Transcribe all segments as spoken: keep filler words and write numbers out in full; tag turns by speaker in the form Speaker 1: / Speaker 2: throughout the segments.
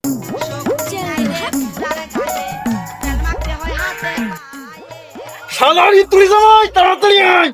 Speaker 1: শালারি তুই জামাই তাড়াতাড়ি আয়।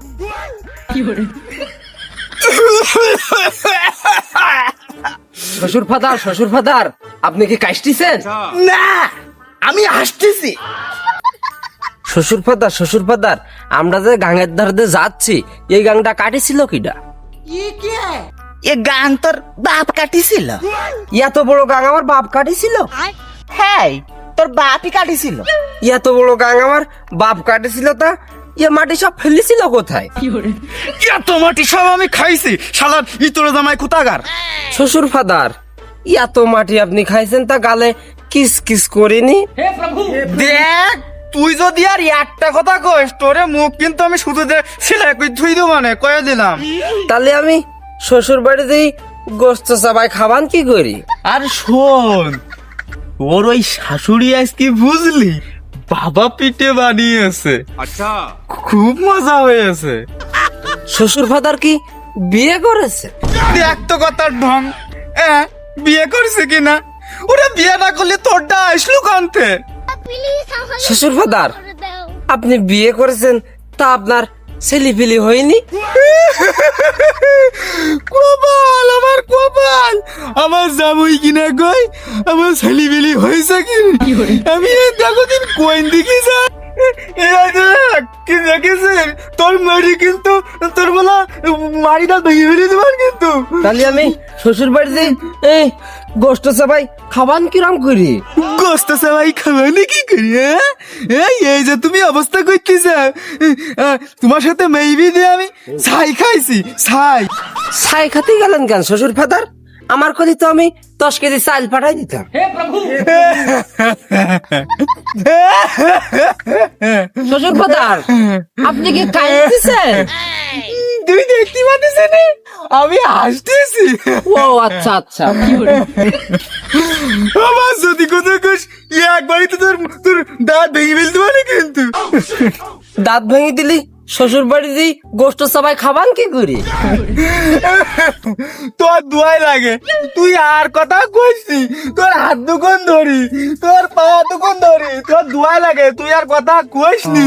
Speaker 2: শ্বশুর ফাদার শ্বশুর ফাদার আপনি কি কাশতেছেন?
Speaker 1: না আমি হাসতেছি।
Speaker 2: শ্বশুর ফাদার শ্বশুর ফাদার আমরা যে গাঙের ধারে দিয়ে যাচ্ছি এই গাংটা কাটিছিল কিডা?
Speaker 1: এ গান তোর বাপ কাটিছিল।
Speaker 2: এত বড় গাং আমার বাপ কাটিছিল?
Speaker 1: হ্যাঁ তোর বাপই কাটিছিল।
Speaker 2: এত বড় গাং আমার বাপ কাটিছিল তা ইয়ে মাটি সব ফেলেছিল কোথায়?
Speaker 1: এত মাটি সব আমি খাইছি শালার ইতরে জামাই কোথাকার।
Speaker 2: শ্বশুর ফাদার এত মাটি আপনি খাইছেন তা গালে কিস কিস করিনি?
Speaker 1: দেখ তুই যদি আর একটা কথা কইস তোরে মুখ কিন্তু আমি শুধু দে সেলাই কই ধুই দেব মানে কয়ে দিলাম।
Speaker 2: তাহলে আমি শ্বশুর বাড়িতেই গোস্ত চাবাই খাবান কি করি?
Speaker 1: আর শোন ওর ওই শাশুড়ি আজ কি বুঝলি বাবা পিঠে বানিয়েছে। আচ্ছা খুব মজা হয়েছে।
Speaker 2: শ্বশুর ফাদার কি বিয়ে করেছে?
Speaker 1: দেখ তো কথার ঢং। হ্যাঁ বিয়ে করছে কিনা? ওরা বিয়ে না করলে তোরটা আসলো কানতে।
Speaker 2: শ্বশুর ফাদার আপনি বিয়ে করেছেন তা আপনার ছেলে পিলি হয়নি?
Speaker 1: কপাল আমার কপাল আমার জামুই কিনা কই আমার ছেলে বিলি হয়েছে কি? আমি দেখো দিন কোন দিকে যা কি দেখেছেন তোর মারি কিন্তু তোর বলা মারিটা ভেঙে ফেলে দেবার কিন্তু।
Speaker 2: তাহলে আমি শ্বশুর বাড়িতে এই গোস্ত চাবাই খাবান কিরম করি?
Speaker 1: গোস্ত সবাই খাবানি কি করি? হ্যাঁ এই এই যে তুমি অবস্থা করতেছ তোমার সাথে মেইবি দিয়ে আমি ছাই খাইছি ছাই।
Speaker 2: ছাই খাতে গেলেন কেন শ্বশুর ফাদার? আমার কলি তো আমি দশ কেজি চাল পাঠাই দিতাম। শ্বশুর ফাদার আপনি কি কাঁদতেছেন?
Speaker 1: তুই দেখতে পাচ্ছিস না আমি হাসতেছি।
Speaker 2: ও আচ্ছা আচ্ছা।
Speaker 1: আমার যদি কথা কস একবারই তো তোর তোর দাঁত ভেঙে ফেলতে পারে কিন্তু।
Speaker 2: দাঁত ভেঙে দিলি শ্বশুর বাড়িতেই গোস্ত চাবাই খাবান কি করি?
Speaker 1: তোর দুয়াই লাগে তুই আর কথা কইছি তোর হাত দুকন ধরি তোর পা দুকন ধরি তোর দুয়াই লাগে তুই আর কথা কইসনি।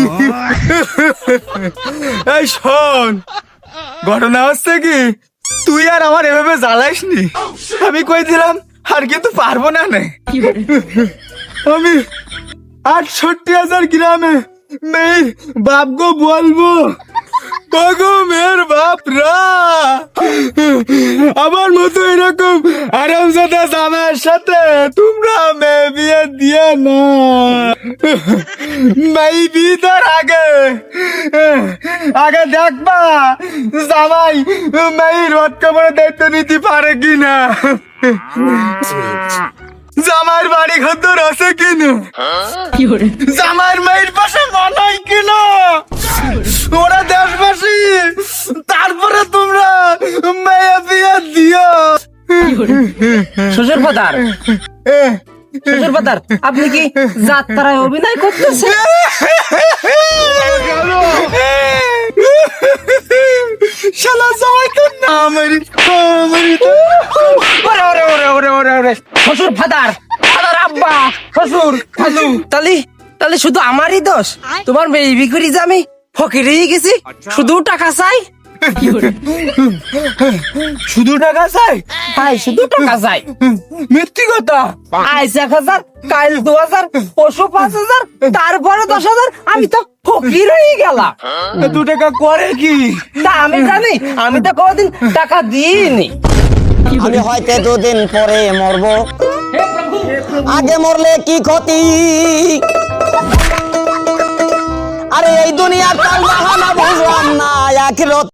Speaker 1: এই শোন ঘটনা হচ্ছে কি তুই আর আমার এভাবে জ্বালাইসনি। আমি কই দিলাম আর কিন্তু পারবো না নে। আমি আটষট্টি হাজার গ্রামে মেয়ের বাপ গো বলবো গো মেয়ের বাপরা আমার মতো এরকম আরামজাদা জামাইয়ের সাথে তোমরা মেয়ে বিয়ে দিয়ে না। মেয়ে বিয়ের আগে আগে দেখবা জামাই মেয়ের রথ কামড়ে দায়িত্ব নিতে পারে কিনা, জামাইয়ের বাড়ি ঘর আছে কিনা, জামাইয়ের মেয়ের পাশে মানাই কিনা ওরা দেশবাসী, তারপরে তোমরা মেয়ে বিয়ে দিও।
Speaker 2: শ্বশুর ফাদার শ্বশুর ফাদার আপনি কি যাত্রায় অভিনয় করতেছেন?
Speaker 1: শালা জামাই তো না মেরি মেরি
Speaker 2: ওরে ওরে ওরে ওরে ওরে ওরে শ্বশুর ফাদার ফাদার আব্বা শ্বশুর খালু তালি তালি শুধু আমারই দোষ? তোমার মেয়ে বিক্রি যে আমি ফকিরেই গেছি শুধু টাকা চাই।
Speaker 1: শুধু টাকা চাই?
Speaker 2: ভাই শুধু টাকা চাই।
Speaker 1: মিথ্যি কথা।
Speaker 2: আজ এক হাজার কাল দু হাজার পশু পাঁচ হাজার তারপরে দশ হাজার আমি তো ফকির হয়ে গেলাম।
Speaker 1: দু টাকা করে কি
Speaker 2: তা আমি জানি? আমি তো কোনদিন টাকা দিইনি।
Speaker 3: আমি হয়তো দুদিন পরে মরবো, আগে মরলে কি ক্ষতি? আরে এই দুনিয়ার কাল বাহানা বুঝলাম না, আখিরাত